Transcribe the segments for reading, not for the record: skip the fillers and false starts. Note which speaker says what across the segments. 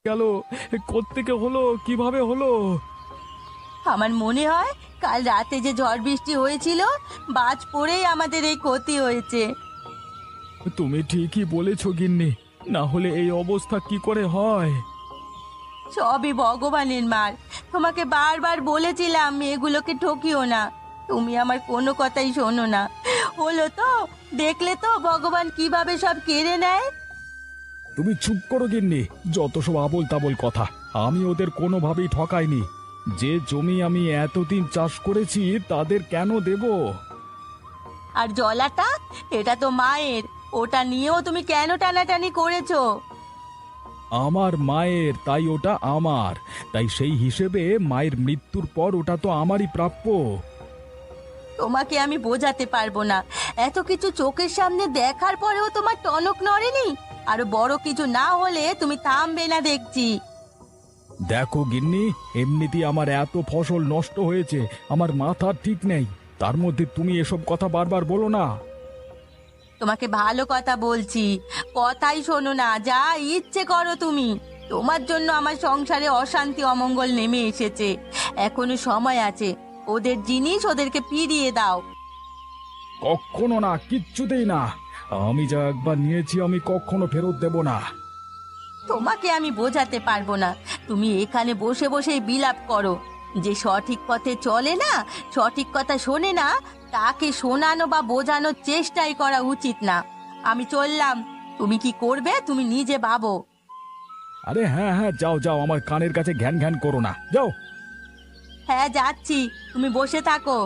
Speaker 1: গেল? কোত্থেকে হলো, কিভাবে হলো?
Speaker 2: আমার মনে হয় কাল রাতে যে ঝড় বৃষ্টি হয়েছিল, বাজ পড়েই আমাদের এই ক্ষতি হয়েছে।
Speaker 1: তুমি ঠিকই বলেছো গিন্নি, না হলে এই অবস্থা কি করে হয়?
Speaker 2: সবই ভগবানের মার। তোমাকে বারবার বলেছিলাম এগুলোকে ঠকিও না, তুমি আমার কোনো কথাই শোনো না। হলো তো, দেখলে তো ভগবান কিভাবে সব কেড়ে নেয়।
Speaker 1: তুমি চুপ করো গিন্নি, যত সব আবোল তাবোল কথা। আমি ওদের কোনোভাবেই ঠকাইনি। যে জমি আমি এতদিন চাষ করেছি তাদের কেন দেব?
Speaker 2: আর জলাটা, এটা তো মায়ের, ওটা নিয়েও তুমি কেন টানাটানি করেছো?
Speaker 1: আমার মায়ের, তাই ওটা আমার। তাই সেই হিসেবে মায়ের মৃত্যুর পর ওটা তো আমারই প্রাপ্য।
Speaker 2: তোমাকে আমি বোঝাতে পারবো না, এত কিছু চোখের সামনে দেখার পরেও তোমার টনক নড়েনি। আরো বড় কিছু না হলে তুমি থামবে না দেখছি।
Speaker 1: দেখো গিন্নি, এমনিতেই আমার এত ফসল নষ্ট হয়েছে, আমার মাথা ঠিক নেই। তার মধ্যে তুমি এসব কথা বারবার বলো না।
Speaker 2: তোমাকে ভালো কথা বলছি, কথাই শোনো না, যা ইচ্ছে করো তুমি। তোমার জন্য আমার সংসারে অশান্তি অমঙ্গল নেমে এসেছে। এখনো সময় আছে, ওদের জিনিস ওদেরকে ফিরিয়ে দাও।
Speaker 1: কখনো না, কিচ্ছুতেই না। আমি যা একবার নিয়েছি আমি কখনো ফেরত দেব না।
Speaker 2: তোমাকে আমি বোঝাতে পারবো না, তুমি এখানে বসে বসে বিলাপ করো। যে সঠিক পথে চলে না, সঠিক কথা শোনে না, তাকে শোনানো বা বোঝানোর চেষ্টাই করা উচিত না। আমি চললাম, তুমি কি করবে তুমি নিজে ভাবো।
Speaker 1: আরে হ্যাঁ হ্যাঁ, যাও যাও, আমার কানের কাছে ঘ্যান ঘ্যান করো না, যাও।
Speaker 2: হ্যাঁ যাচ্ছি, তুমি বসে থাকো।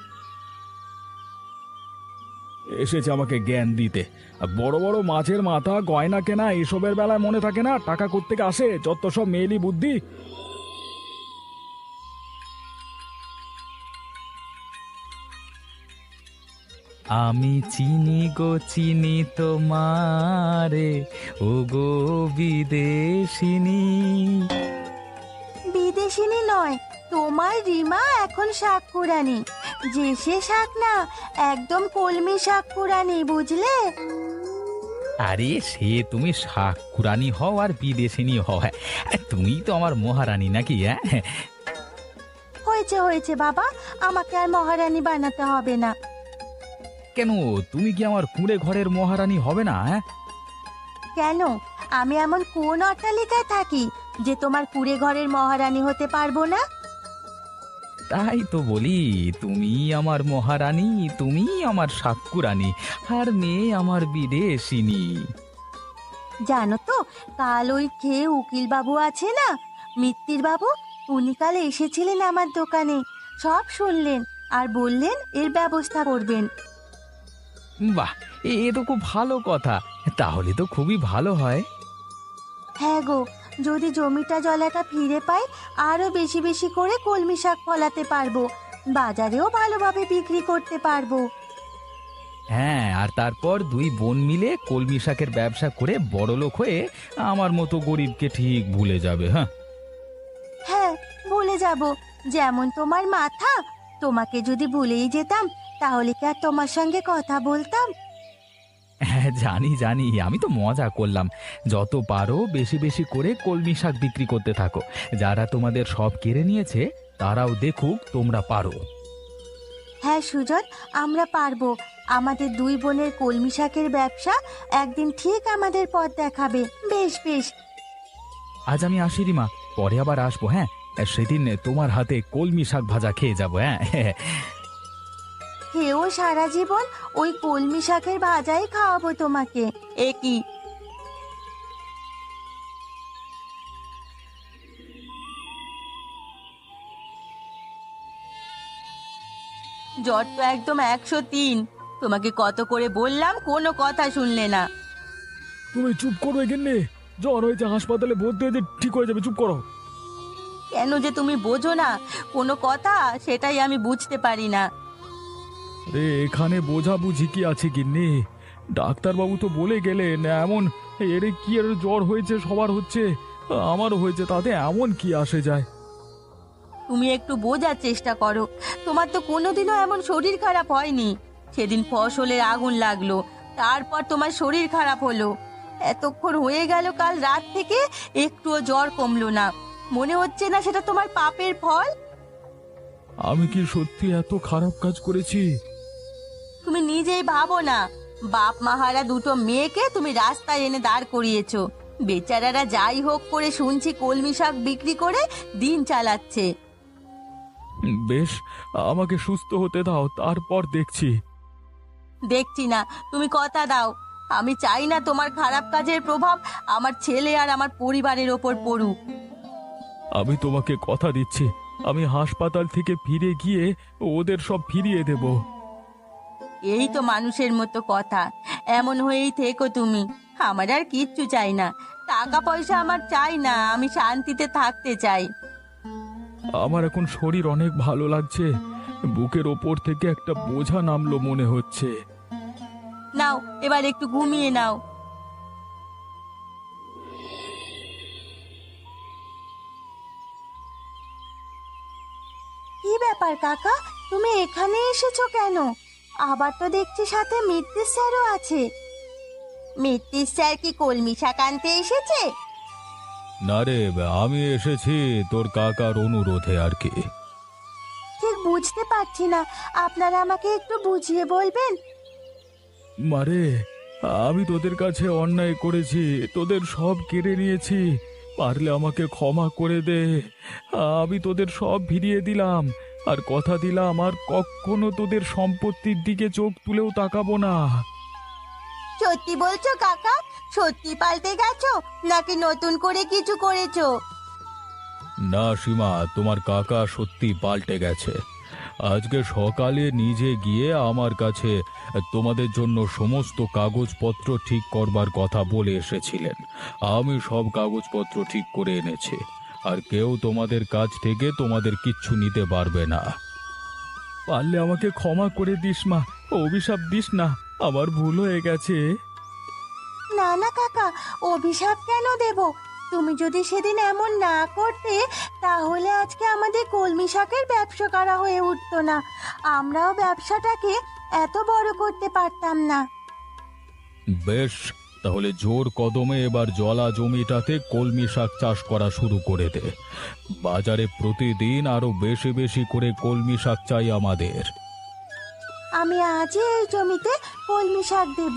Speaker 1: এসেছে আমাকে জ্ঞান দিতে। আর বড় বড় মাছের মাথা, গয়না কেনা, এসবের বেলায় মনে থাকে না টাকা কোত্থেকে আসে? যত সব মেয়েলি বুদ্ধি।
Speaker 3: আমি চিনি গো চিনি তোমারে, ও গো বিদেশিনী।
Speaker 2: বিদেশিনী নয়, তোমার রিমা এখন শাকপুরানি। যে সে শাক না, একদম কলমি শাকপুরানি, বুঝলে?
Speaker 3: আরে সে তুমি শাকুরানি হও আর বিদেশিনী হও, হ্যাঁ, তুমি তো আমার মহারানী নাকি? হ্যাঁ,
Speaker 2: হয়েছে হয়েছে বাবা, আমাকে আর মহারানী বানাতে হবে না।
Speaker 3: কেন, তুমি কি আমার কুঁড়ে ঘরের মহারানী হবে না? হ্যাঁ,
Speaker 2: কেন, আমি এমন কোন অট্টালিকায় থাকি যে তোমার কুঁড়ে ঘরের মহারানী হতে পারবো না?
Speaker 3: তাই তো বলি, তুমি আমার মহারানী, তুমি আমার শাকুরানী, আর মেয়ে আমার বিদেশিনী।
Speaker 2: জানো তো, কাল ওই খেয়ে উকিল বাবু আছে না, মিত্তির বাবু, উনি কাল এসেছিলেন আমার দোকানে। সব শুনলেন আর বললেন এর ব্যবস্থা করবেন।
Speaker 3: বাহ, এ তো খুব ভালো কথা। তাহলে তো খুবই ভালো হয়।
Speaker 2: হ্যাঁ গো, যদি জমিটা জলাটা ফিরে পাই, আরো বেশি বেশি করে কলমি শাক ফলাতে পারবো, বাজারেও ভালোভাবে বিক্রি করতে পারবো।
Speaker 3: হ্যাঁ, আর তারপর দুই বোন মিলে কলমি শাকের ব্যবসা করে বড়লোক হয়ে আমার মতো গরিবকে ঠিক ভুলে যাবে। হ্যাঁ,
Speaker 2: হ্যাঁ, ভুলে যাব। যেমন তোমার মাথা, তোমাকে যদি ভুলেই যেতাম তাহলে কি আর তোমার সঙ্গে কথা বলতাম?
Speaker 3: হ্যাঁ, জানি জানি, আমি তো মজা করলাম। যত পারো বেশি বেশি করে কলমি শাক বিক্রি করতে থাকো। যারা তোমাদের সব কেড়ে নিয়েছে তারাও দেখুক তোমরা পারো।
Speaker 2: হ্যাঁ সুজন, আমরা পারবো। আমাদের দুই বোনের কলমি শাকের ব্যবসা একদিন ঠিক আমাদের পথ দেখাবে। বেশ বেশ।
Speaker 3: আজ আমি আসি রিমা, পরে আবার আসবো। হ্যাঁ, সেদিন তোমার হাতে কলমি শাক ভাজা খেয়ে যাবো। হ্যাঁ,
Speaker 2: খেয়েও সারা জীবন ওই কলমি শাকের ভাজাই খাওয়াবো তোমাকে। এ কি! জ্বর তো একদম 103। তোমাকে কত করে বললাম, কোনো কথা শুনলে না।
Speaker 1: তুমি চুপ করো গিন্নি, জ্বর হয়েছে, হাসপাতালে ভর্তি হয়েছে, ঠিক হয়ে যাবে, চুপ করো।
Speaker 2: কেন যে তুমি বোঝো না কোনো কথা, সেটাই আমি বুঝতে পারি না।
Speaker 1: রে, এখানে বোঝাবুঝি কি আছে গিন্নি? ডাক্তারবাবু তো বলে গেলেন এমন। এর কি, এর জ্বর হয়েছে, সবার হচ্ছে, আমারও হয়েছে, তাতে এমন কি আসে যায়?
Speaker 2: তুমি একটু বোঝার চেষ্টা করো, তোমার তো কোনোদিনও এমন শরীর খারাপ হয়নি। সেদিন ফসলের আগুন লাগলো, তারপর তোমার শরীর খারাপ হলো। এতক্ষণ হয়ে গেল কাল রাত থেকে, একটুও জ্বর কমলো না। মনে হচ্ছে না সেটা তোমার পাপের ফল?
Speaker 1: আমি কি সত্যি এত খারাপ কাজ করেছি?
Speaker 2: তুমি নিজেই ভাবো না, বাপ মাহারা দুটো মেয়েকে তুমি রাস্তায় এনে দাঁড় করিয়েছো। বেচারারা যাই হোক করে শুনছি কলমি শাক বিক্রি করে দিন চালাচ্ছে।
Speaker 1: বেশ, আমাকে সুস্থ হতে দাও, তারপর দেখছি।
Speaker 2: দেখছি না, তুমি কথা দাও। আমি চাই না তোমার খারাপ কাজের প্রভাব আমার ছেলে আর আমার পরিবারের ওপর পড়ুক।
Speaker 1: আমি তোমাকে কথা দিচ্ছি, আমি হাসপাতাল থেকে ফিরে গিয়ে ওদের সব ফিরিয়ে দেব।
Speaker 2: এই তো মানুষের মতো কথা, এমন হয়েই থেকো তুমি। আমার আর কিচ্ছু চাই না, টাকা পয়সা আমার চাই না, আমি শান্তিতে থাকতে চাই।
Speaker 1: আমার এখন শরীর অনেক ভালো লাগছে, বুকের ওপর থেকে একটা বোঝা নামলো মনে হচ্ছে।
Speaker 2: নাও, এবার একটু ঘুমিয়ে নাও। কি ব্যাপার কাকা, তুমি এখানে এসেছো কেন? আবার তো দেখছি সাথে মিত্তির স্যারও আছে। মিত্তির স্যার কি কলমি শাক আনতে এসেছে?
Speaker 1: না রে, আমি এসেছি তোর কাকার অনুরোধে আর কি।
Speaker 2: ঠিক বুঝতে পারছি না, আপনারা আমাকে একটু বুঝিয়ে বলবেন?
Speaker 1: মারে, আমি তোদের কাছে অন্যায় করেছি, তোদের সব কেড়ে নিয়েছি, পারলে আমাকে ক্ষমা করে দে। আমি তোদের সব ফিরিয়ে দিলাম, আর কথা দিলাম আর কখনো তোদের সম্পত্তির দিকে চোখ তুলেও তাকাবো না।
Speaker 2: সত্যি বলছো কাকা? সত্যি পাল্টে গেছো নাকি নতুন করে কিছু করেছো?
Speaker 1: না সীমা, তোমার কাকা সত্যি পাল্টে গেছে। আজকে সকালে নিজে গিয়ে আমার কাছে তোমাদের জন্য সমস্ত কাগজপত্র ঠিক করবার কথা বলে এসেছিলেন। আমি সব কাগজপত্র ঠিক করে এনেছি, আর কেউ তোমাদের কাছ থেকে তোমাদের কিচ্ছু নিতে পারবে না। পারলে আমাকে ক্ষমা করে দিস মা, অভিশাপ দিস না, আমার ভুল হয়ে গেছে।
Speaker 2: না না কাকা, অভিশাপ কেন দেব? তুমি যদি সেদিন এমন না করতে, তাহলে আজকে আমাদের কলমি শাকের ব্যবসা করা হয়ে উঠতো না। আমরাও ব্যবসাটাকে এত বড় করতে পারতাম না।
Speaker 1: বেশ, তাহলে জোর কদমে এবার জলা জমিটাতে কলমি শাক চাষ করা শুরু করে দে। বাজারে প্রতিদিন আরো বেশি বেশি করে কলমি শাক চাই আমাদের।
Speaker 2: আমি আজই এই জমিতে কলমি শাক দেব।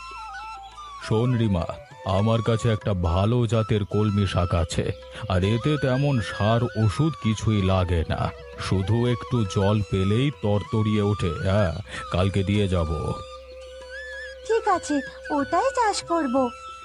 Speaker 1: শোন রিমা, আমার কাছে একটা ভালো জাতের কলমি শাক আছে, আর এতে তেমন সার ওষুধ কিছুই লাগে না, শুধু একটু জল পেলেই তরতরিয়ে ওঠে। হ্যাঁ, কালকে দিয়ে যাব।
Speaker 2: ঠিক আছে, ওটাই চাষ করব।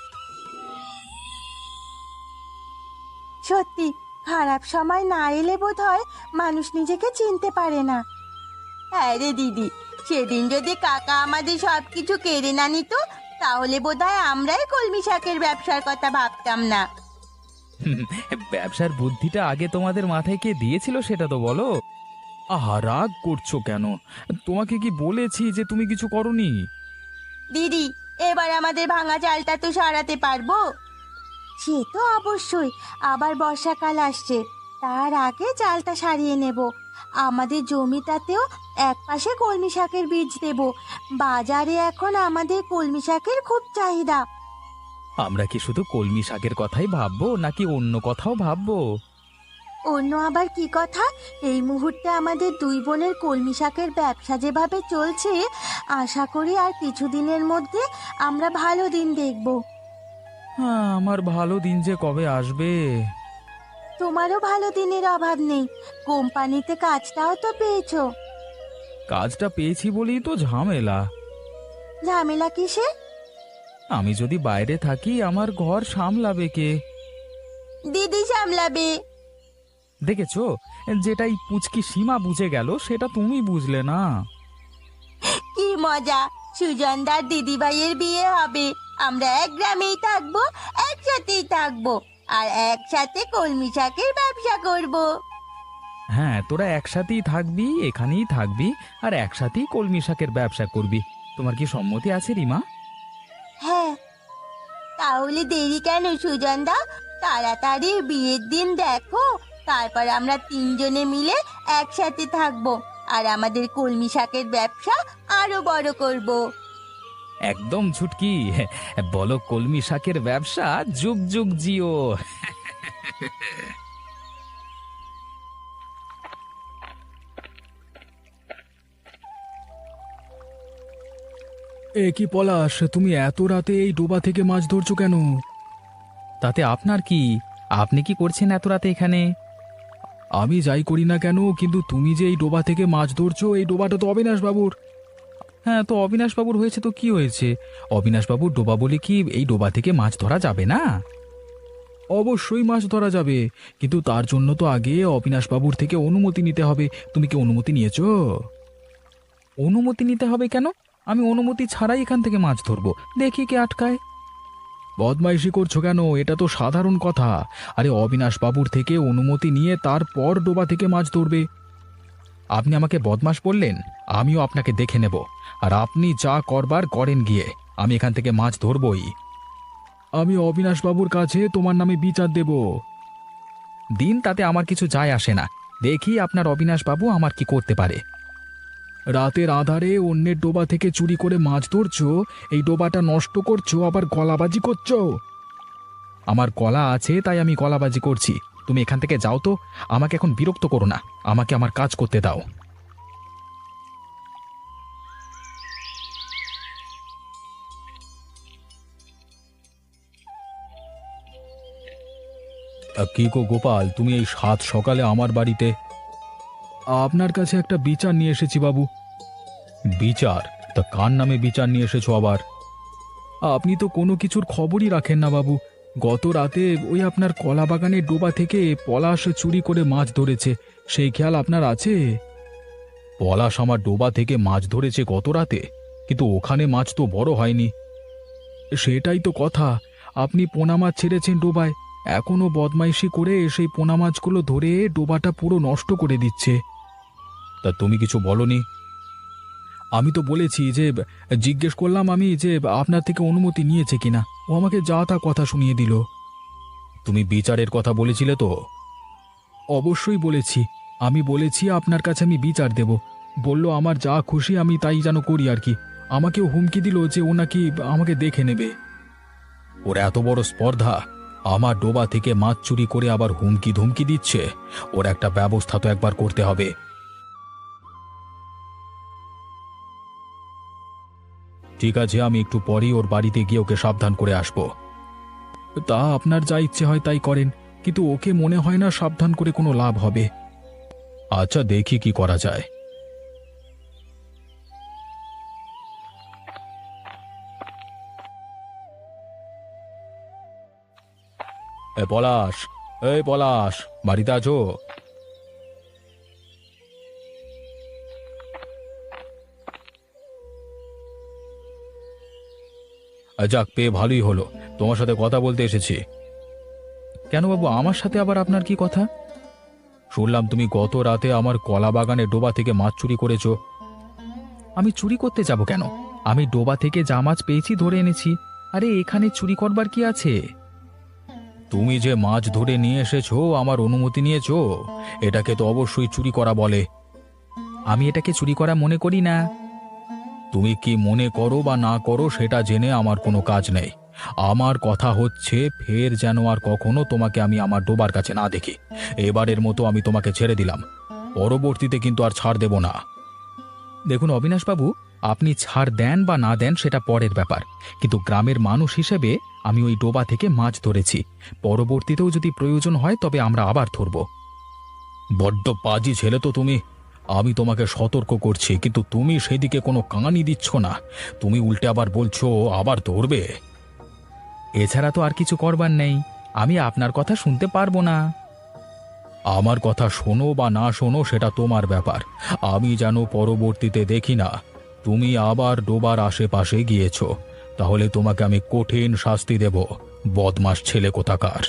Speaker 2: সত্যি, খারাপ সময় না এলে বোধহয় মানুষ নিজেকে চিনতে পারে না। হ্যাঁ রে দিদি, সেদিন যদি কাকা আমাদের সবকিছু কেড়ে না নিত, তাহলে বোধহয় আমরাই কলমি শাকের ব্যবসার কথা ভাবতাম না।
Speaker 3: ব্যবসার বুদ্ধিটা আগে তোমাদের মাথায় কে দিয়েছিল সেটা তো বলো।
Speaker 1: আহা, রাগ করছো কেন? তোমাকে কি বলেছি যে তুমি কিছু করনি?
Speaker 2: দিদি, এবার আমাদের ভাঙা চালটা তো সারাতে পারবো? সে তো অবশ্যই, আবার বর্ষাকাল আসছে, তার আগে চালটা সারিয়ে নেব। আমাদের জমিটাতেও একপাশে কলমি শাকের বীজ দেব। বাজারে এখন আমাদের কলমি শাকের খুব চাহিদা।
Speaker 3: আমরা কি শুধু কলমি শাকের কথাই ভাববো নাকি অন্য কথাও ভাববো?
Speaker 2: অন্য আবার কি কথা? এই মুহূর্তে আমাদের দুই বোনের কলমি শাকের ব্যবসা যেভাবে চলছে, আশা করি আর কিছুদিনের মধ্যে আমরা ভালো দিন দেখব।
Speaker 3: হ্যাঁ, আমার ভালো দিন যে কবে আসবে।
Speaker 2: তোমারও ভালো দিনের অভাব নেই, কোম্পানিতে কাজটাও তো পেয়েছো।
Speaker 3: কাজটা পেয়েছি বলেই তো ঝামেলা।
Speaker 2: ঝামেলা কিসে?
Speaker 3: আমি যদি বাইরে থাকি আমার ঘর সামলাবে কে?
Speaker 2: দিদি সামলাবে।
Speaker 3: দেখেছো, যেটাই পুচকি সীমা বুঝে গেল সেটা তুমি বুঝলে না।
Speaker 2: কি মজা, সুজনদার দিদি ভাইয়ের বিয়ে হবে, আমরা এক গ্রামেই থাকবো, একসাথেই থাকবো, আর একসাথে কলমি শাকের ব্যবসা করব।
Speaker 3: হ্যাঁ, তোরা একসাথেই থাকবি, এখানেই থাকবি, আর একসাথেই কলমি শাকের ব্যবসা করবি। তোমার কি সম্মতি আছে রিমা?
Speaker 2: হ্যাঁ, তাহলে দেরি কেন সুজনদা? তাড়াতাড়ি বিয়ের দিন দেখো, তারপর আমরা তিনজনে মিলে একসাথে থাকবো, আর আমাদের কলমি শাকের ব্যবসা আরো বড় করব।
Speaker 3: একদম ছুটকি। বলো কলমি শাকের ব্যবসা যুগ যুগ জিও।
Speaker 1: এ কি পলাশ, তুমি এত রাতে এই ডোবা থেকে মাছ ধরছো কেন?
Speaker 3: তাতে আপনার কি? আপনি কি করছেন এত রাতে এখানে?
Speaker 1: আমি যাই করি না কেন, কিন্তু তুমি যে এই ডোবা থেকে মাছ ধরছো, এই ডোবাটা তো অবিনাশ বাবুর।
Speaker 3: হ্যাঁ, তো অবিনাশ বাবুর হয়েছে তো কি হয়েছে? অবিনাশ বাবুর ডোবা বলে কি এই ডোবা থেকে মাছ ধরা যাবে না?
Speaker 1: অবশ্যই মাছ ধরা যাবে, কিন্তু তার জন্য তো আগে অবিনাশ বাবুর থেকে অনুমতি নিতে হবে। তুমি কি অনুমতি নিয়েছো?
Speaker 3: অনুমতি নিতে হবে কেন? আমি অনুমতি ছাড়াই এখান থেকে মাছ ধরবো, দেখি কে আটকায়।
Speaker 1: বদমাইশি করছো কেন? এটা তো সাধারণ কথা। আরে অবিনাশ বাবুর থেকে অনুমতি নিয়ে তারপর ডোবা থেকে মাছ ধরবে।
Speaker 3: আপনি আমাকে বদমাশ বললেন, আমিও আপনাকে দেখে নেব। আর আপনি যা করবার করেন গিয়ে, আমি এখান থেকে মাছ ধরবই।
Speaker 1: আমি অবিনাশ বাবুর কাছে তোমার নামে বিচার দেব।
Speaker 3: দিন, তাতে আমার কিছু যায় আসে না। দেখি আপনার অবিনাশ বাবু আমার কি করতে পারে।
Speaker 1: রাতের আধারে অন্যের ডোবা থেকে চুরি করে মাছ ধরছো, এই ডোবাটা নষ্ট করছো, আবার গলাবাজি করছো।
Speaker 3: আমার গলা আছে তাই আমি গলাবাজি করছি। তুমি এখান থেকে যাও তো, আমাকে এখন বিরক্ত করো না, আমাকে আমার কাজ করতে দাও।
Speaker 1: কি গো গোপাল, তুমি এই সাত সকালে আমার বাড়িতে? আপনার কাছে একটা বিচার নিয়ে এসেছি বাবু। বিচার? তা কার নামে বিচার নিয়ে এসেছো আবার? আপনি তো কোনো কিছুর খবরই রাখেন না বাবু। গত রাতে ওই আপনার কলা বাগানের ডোবা থেকে পলাশ চুরি করে মাছ ধরেছে, সেই খেয়াল আপনার আছে? পলাশ আমার ডোবা থেকে মাছ ধরেছে গত রাতে, কিন্তু ওখানে মাছ তো বড় হয়নি। সেটাই তো কথা, আপনি পোনা মাছ ছেড়েছেন ডোবায়, এখনো বদমাইশি করে সেই পোনা মাছগুলো ধরে ডোবাটা পুরো নষ্ট করে দিচ্ছে। তা তুমি কিছু বলনি? আমি তো বলেছি যে, জিজ্ঞেস করলাম আমি যে আপনার থেকে অনুমতি নিয়েছে কিনা, ও আমাকে যা তা কথা শুনিয়ে দিল। তুমি বিচারের কথা বলেছিলে তো? অবশ্যই বলেছি। আমি বলেছি আপনার কাছে আমি বিচার দেব। বলল আমার যা খুশি আমি তাই যেন করি আর কি। আমাকেও হুমকি দিল যে ও নাকি আমাকে দেখে নেবে। ওর এত বড় স্পর্ধা, আমার ডোবা থেকে মাছ চুরি করে আবার হুমকি ধুমকি দিচ্ছে। ওর একটা ব্যবস্থা তো একবার করতে হবে। ঠিক আছে, আমি একটু পরেই ওর বাড়িতে গিয়ে ওকে সাবধান করে আসব। তা আপনার যা ইচ্ছে হয় তাই করেন, কিন্তু ওকে মনে হয় না সাবধান করে কোনো লাভ হবে। আচ্ছা, দেখি কি করা যায়। পলাশ, এই পলাশ, বাড়িতে আছো? যাক, পেয়ে ভালোই হলো, তোমার সাথে কথা বলতে এসেছি। কেন বাবু, আমার সাথে আবার আপনার কি কথা? শুনলাম তুমি গত রাতে আমার কলা বাগানে ডোবা থেকে মাছ চুরি করেছো।
Speaker 3: আমি চুরি করতে যাব কেন? আমি ডোবা থেকে যা মাছ পেয়েছি ধরে এনেছি। আরে এখানে চুরি করবার কি আছে?
Speaker 1: তুমি যে মাছ ধরে নিয়ে এসেছো আমার অনুমতি নিয়েছো, এটাকে তো অবশ্যই চুরি করা বলে।
Speaker 3: আমি এটাকে চুরি করা মনে করি না।
Speaker 1: তুমি কি মনে করো বা না করো সেটা জেনে আমার কোনো কাজ নেই। আমার কথা হচ্ছে, ফের যেন আর কখনো তোমাকে আমি আমার ডোবার কাছে না দেখি। এবারের মতো আমি তোমাকে ছেড়ে দিলাম, পরবর্তীতে কিন্তু আর ছাড় দেব না।
Speaker 3: দেখুন অবিনাশবাবু, আপনি ছাড় দেন বা না দেন সেটা পরের ব্যাপার, কিন্তু গ্রামের মানুষ হিসেবে আমি ওই ডোবা থেকে মাছ ধরেছি। পরবর্তীতেও যদি প্রয়োজন হয় তবে আমরা আবার ধরব।
Speaker 1: বড্ড পাজি ছেলে তো তুমি। আমি তোমাকে সতর্ক করছি, কিন্তু তুমি সেদিকে কোনো কানই দিচ্ছ না। তুমি উল্টে আবার বলছো আবার ধরবে।
Speaker 3: এছাড়া তো আর কিছু করবার নেই, আমি আপনার কথা শুনতে পারবো না।
Speaker 1: আমার কথা শোনো বা না শোনো সেটা তোমার ব্যাপার। আমি যেন পরবর্তীতে দেখি না তুমি আবার ডোবার আশেপাশে গিয়েছো, তাহলে তোমাকে আমি কঠিন শাস্তি দেব, বদমাস ছেলে কোথাকার।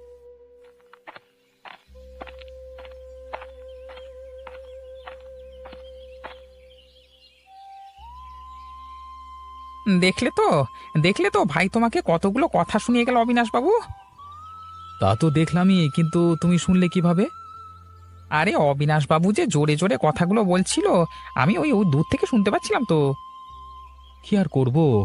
Speaker 4: দেখলে তো, দেখলে তো ভাই, তোমাকে কতগুলো কথা শুনিয়ে গেল অবিনাশ বাবু।
Speaker 3: তা তো দেখলামই, কিন্তু তুমি শুনলে কিভাবে?
Speaker 4: আরে অবিনাশ বাবু যে জোরে জোরে কথাগুলো বলছিল, আমি ওই ওই দূর থেকে শুনতে পাচ্ছিলাম তো।
Speaker 3: কি আর করব,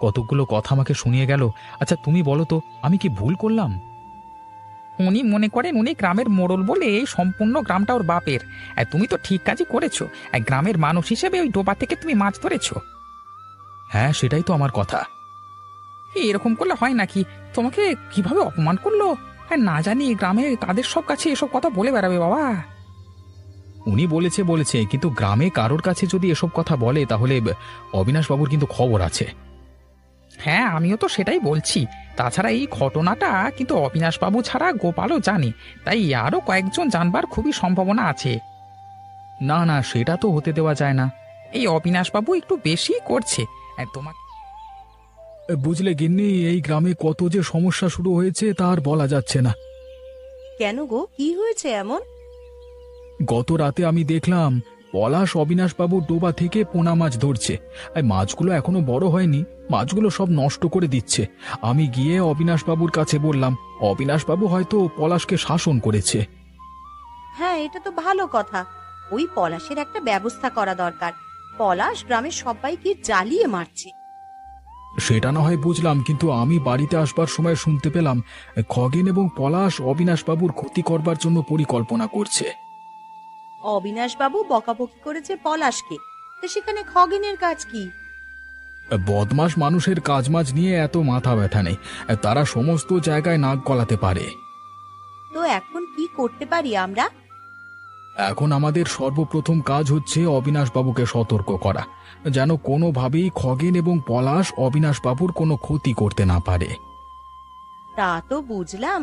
Speaker 3: কতগুলো কথা আমাকে শুনিয়ে গেল। আচ্ছা তুমি বলো তো, আমি কি ভুল করলাম?
Speaker 4: উনি মনে করেন উনি গ্রামের মোড়ল বলে এই সম্পূর্ণ গ্রামটা ওর বাপের। আর তুমি তো ঠিক কাজই করেছো। আর গ্রামের মানুষ হিসেবে ওই ডোবা থেকে তুমি মাছ ধরেছো।
Speaker 3: হ্যাঁ, সেটাই তো আমার কথা।
Speaker 4: এরকম করলে হয় নাকি? তোমাকে কিভাবে অপমান করলো! হ্যাঁ, না জানি গ্রামে তাদের সব কাছে এসব কথা বলে বেড়াবে বাবা।
Speaker 3: উনি বলেছে, কিন্তু গ্রামে কারোর কাছে যদি এসব কথা বলে তাহলে অবিনাশবাবুর কিন্তু খবর আছে।
Speaker 4: হ্যাঁ, আমিও তো সেটাই বলছি। তাছাড়া এই ঘটনাটা কিন্তু অবিনাশবাবু ছাড়া গোপালও জানে, তাই আরও কয়েকজন জানবার খুবই সম্ভাবনা আছে।
Speaker 3: না না, সেটা তো হতে দেওয়া যায় না।
Speaker 4: এই অবিনাশবাবু একটু বেশি করছে। তোমাকে
Speaker 1: বুঝলে গিন্নি, এই গ্রামে কত যে সমস্যা শুরু হয়েছে তার বলা যাচ্ছে না।
Speaker 2: কেন গো, কি হয়েছে এমন?
Speaker 1: গত রাতে আমি দেখলাম পলাশ অবিনাশবাবুর ডোবা থেকে পোনা মাছ ধরছে। আর মাছগুলো এখনো বড় হয়নি, মাছগুলো সব নষ্ট করে দিচ্ছে। আমি গিয়ে অবিনাশবাবুর কাছে বললাম, অবিনাশবাবু হয়তো পলাশকে শাসন করেছে।
Speaker 5: হ্যাঁ, এটা তো ভালো কথা। ওই পলাশের একটা ব্যবস্থা করা দরকার। পলাশ গ্রামের সবাইকে জ্বালিয়ে মারছে।
Speaker 1: সেটা না হয় বুঝলাম, কিন্তু আমি বাড়িতে আসবার সময় শুনতে পেলাম খগেন এবং পলাশ অবিনাশবাবুর ক্ষতি করবার জন্য পরিকল্পনা করছে।
Speaker 5: অবিনাশবাবু বকাবকি করেছে পলাশকে, তো সেখানে খগেনের কাজ কি?
Speaker 1: বদমাস মানুষের কাজমাজ নিয়ে এত মাথা ব্যথা নেই, তারা সমস্ত জায়গায় নাক গলাতে পারে।
Speaker 5: তো এখন কি করতে পারি আমরা?
Speaker 1: এখন আমাদের সর্বপ্রথম কাজ হচ্ছে অবিনাশবাবুকে সতর্ক করা, যেন কোনোভাবেই খগেন এবং পলাশ অবিনাশবাবুর কোনো ক্ষতি করতে না পারে।
Speaker 5: তা তো বুঝলাম,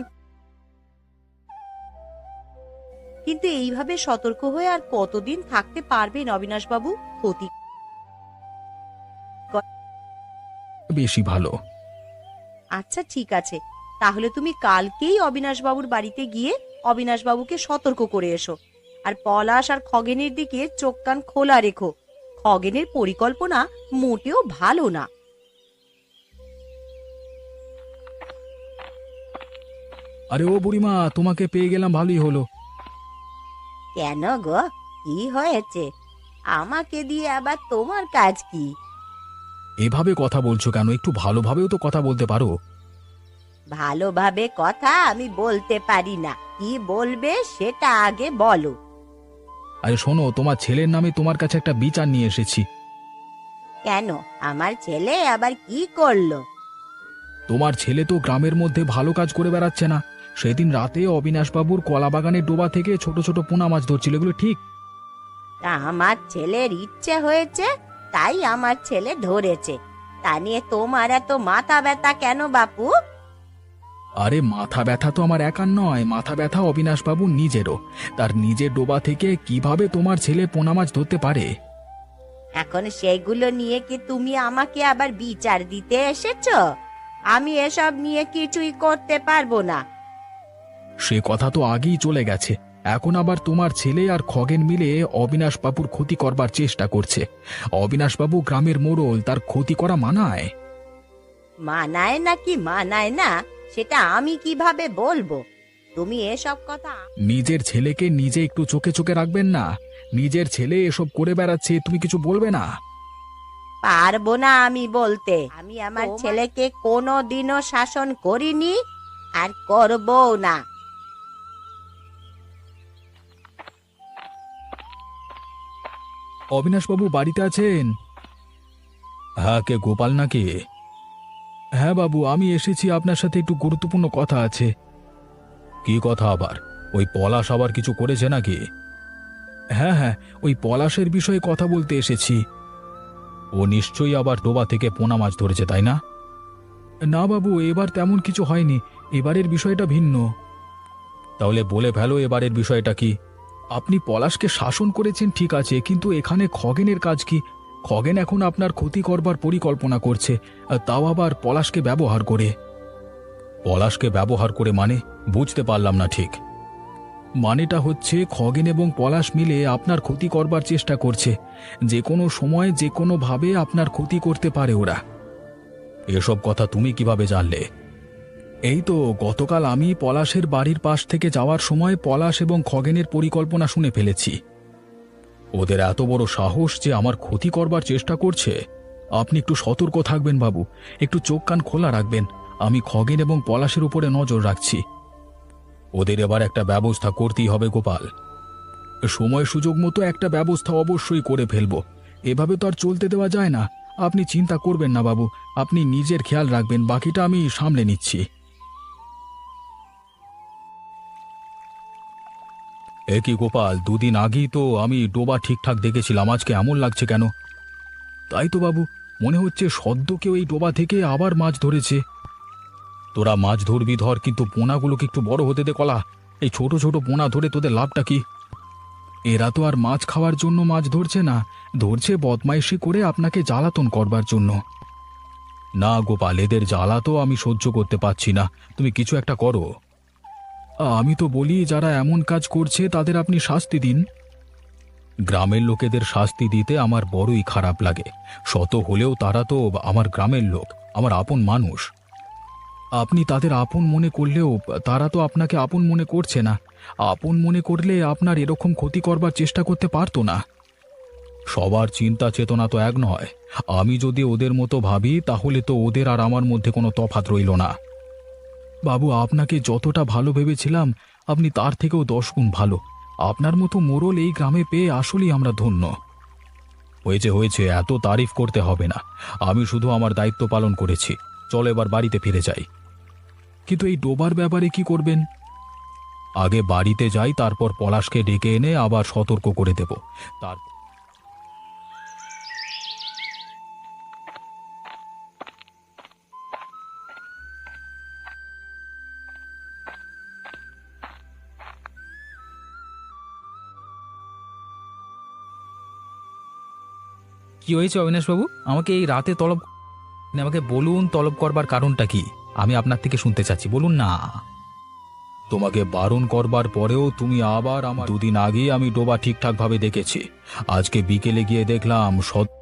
Speaker 5: কিন্তু এইভাবে সতর্ক হয়ে আর কতদিন থাকতে পারবেন অবিনাশবাবু? ক্ষতি
Speaker 1: বেশি ভালো।
Speaker 5: আচ্ছা, ঠিক আছে, তাহলে তুমি কালকেই অবিনাশবাবুর বাড়িতে গিয়ে অবিনাশবাবুকে সতর্ক করে এসো। আর পলাশ আর খগেনের দিকে চোখ কান খোলা রেখো। খগেনের পরিকল্পনা মোটেও ভালো না।
Speaker 1: আরে ও বুড়িমা, তোমাকে পেয়ে গেলাম, ভালোই হলো।
Speaker 5: কেন গো, কি হয়েছে? আমাকে দিয়ে আবার তোমার কাজ কি?
Speaker 1: এভাবে কথা বলছো কেন? একটু ভালোভাবেও তো কথা বলতে পারো।
Speaker 5: ভালোভাবে কথা আমি বলতে পারি না, কি বলবে সেটা আগে বলো।
Speaker 1: আরে শোনো, তোমার ছেলের নামে তোমার কাছে একটা বিচার নিয়ে এসেছি।
Speaker 5: কেন, আমার ছেলে আবার কি করলো?
Speaker 1: তোমার ছেলে তো গ্রামের মধ্যে ভালো কাজ করে বেড়াচ্ছে না। সেদিন রাতে অবিনাশবাবুর কলা বাগানের ডোবা থেকে ছোট ছোট পোনা মাছ ধরছিল, এগুলো ঠিক?
Speaker 5: তা আমার ছেলের ইচ্ছে হয়েছে, তাই আমার ছেলে ধরেছে। তা নিয়ে তোমার এত মাথা ব্যথা কেন বাপু?
Speaker 1: আরে মাথা ব্যথা তো আমার একার নয়, মাথা ব্যথা অবিনাশবাবু নিজেরও। তার নিজের ডোবা থেকে কিভাবে তোমার ছেলে পোনা মাছ ধরতে পারে?
Speaker 5: এখন সেগুলো নিয়ে কি তুমি আমাকে আবার বিচার দিতে এসেছো? আমি এসব নিয়ে কিছুই করতে পারবো না।
Speaker 1: সে কথা তো আগেই চলে গেছে। এখন আবার তোমার ছেলে আর খগেন মিলে অবিনাশবাবুর ক্ষতি করবার চেষ্টা করছে। অবিনাশবাবু গ্রামের মোড়ল, তার ক্ষতি করা মানায়?
Speaker 5: মানায় নাকি মানায় না সেটা আমি কিভাবে বলবো? তুমি এসব কথা
Speaker 1: নিজের ছেলেকে নিজে একটু চোখে চোখে রাখবেন না? নিজের ছেলে এসব করে বেড়াচ্ছে, তুমি কিছু বলবে না?
Speaker 5: পারবো না আমি বলতে। আমি আমার ছেলেকে কোনোদিনও শাসন করিনি আর করবও না।
Speaker 1: অবিনাশবাবু বাড়িতে আছেন? হ্যাঁ, কে, গোপাল নাকি? হ্যাঁ বাবু, আমি এসেছি, আপনার সাথে একটু গুরুত্বপূর্ণ কথা আছে। কি কথা আবার? ওই পলাশ আবার কিছু করেছে নাকি? হ্যাঁ হ্যাঁ, ওই পলাশের বিষয়ে কথা বলতে এসেছি। ও নিশ্চয়ই আবার ডোবা থেকে পোনা মাছ ধরেছে, তাই না? না বাবু, এবার তেমন কিছু হয়নি, এবারের বিষয়টা ভিন্ন। তাহলে বলে ফেলো, এবারের বিষয়টা কি? আপনি পলাশকে শাসন করেছেন ঠিক আছে, কিন্তু এখানে খগেনের কাজ কি? খগেন এখন আপনার ক্ষতি করবার পরিকল্পনা করছে, তাও আবার পলাশকে ব্যবহার করে। পলাশকে ব্যবহার করে মানে? বুঝতে পারলাম না ঠিক। মানেটা হচ্ছে খগেন এবং পলাশ মিলে আপনার ক্ষতি করবার চেষ্টা করছে। যে কোনো সময় যে কোনোভাবে আপনার ক্ষতি করতে পারে ওরা। এসব কথা তুমি কিভাবে জানলে? এই তো গতকাল আমি পলাশের বাড়ির পাশ থেকে যাওয়ার সময় পলাশ এবং খগেনের পরিকল্পনা শুনে ফেলেছি। ওদের এত বড় সাহস যে আমার ক্ষতি করবার চেষ্টা করছে?
Speaker 3: আপনি একটু সতর্ক থাকবেন বাবু, একটু চোখ কান খোলা রাখবেন। আমি খগেন এবং পলাশের উপরে নজর রাখছি। ওদের এবার একটা ব্যবস্থা করতেই হবে গোপাল। সময় সুযোগ মতো একটা ব্যবস্থা অবশ্যই করে ফেলবো। এভাবে তো আর চলতে দেওয়া যায় না। আপনি চিন্তা করবেন না বাবু, আপনি নিজের খেয়াল রাখবেন, বাকিটা আমি সামলে নিচ্ছি। এ কি গোপাল, দুদিন আগেই তো আমি ডোবা ঠিকঠাক দেখেছিলাম, আজকে এমন লাগছে কেন? তাই তো বাবু, মনে হচ্ছে সদ্য কেউ এই ডোবা থেকে আবার মাছ ধরেছে। তোরা মাছ ধরবি ধর, কিন্তু পোনাগুলোকে একটু বড় হতে দে কলা। এই ছোট ছোট পোনা ধরে তোদের লাভটা কি? এরা তো আর মাছ খাওয়ার জন্য মাছ ধরছে না, ধরছে বদমাইশি করে আপনাকে জ্বালাতন করবার জন্য। না গোপাল, এদের জ্বালা তো আমি সহ্য করতে পারছি না, তুমি কিছু একটা করো। আমি তো বলি, যারা এমন কাজ করছে তাদের আপনি শাস্তি দিন। গ্রামের লোকেদের শাস্তি দিতে আমার বড়ই খারাপ লাগে। শত হলেও তারা তো আমার গ্রামের লোক, আমার আপন মানুষ। আপনি তাদের আপন মনে করলেও তারা তো আপনাকে আপন মনে করছে না। আপন মনে করলে আপনার এরকম ক্ষতি করবার চেষ্টা করতে পারতো না। সবার চিন্তা চেতনা তো এক নয়। আমি যদি ওদের মতো ভাবি তাহলে তো ওদের আর আমার মধ্যে কোনো তফাৎ রইল না। বাবু, আপনাকে যতটা ভালো ভেবেছিলাম আপনি তার থেকেও 10 গুণ ভালো। আপনার মতো মোড়ল এই গ্রামে পেয়ে আসলেই আমরা ধন্য। হয়েছে হয়েছে, এত তারিফ করতে হবে না। আমি শুধু আমার দায়িত্ব পালন করেছি। চলো এবার বাড়িতে ফিরে যাই। কিন্তু এই ডোবার ব্যাপারে কি করবেন? আগে বাড়িতে যাই, তারপর পলাশকে ডেকে এনে আবার সতর্ক করে দেব। তার কি হয়েছে অবিনাশবাবু? আমাকে এই রাতে তলব, আমাকে বলুন তলব করবার কারণটা কি? আমি আপনার থেকে শুনতে চাচ্ছি, বলুন না। তোমাকে বারণ করবার পরেও তুমি আবার আমার। দুদিন আগেই আমি ডোবা ঠিকঠাক ভাবে দেখেছি। আজকে বিকেলে গিয়ে দেখলাম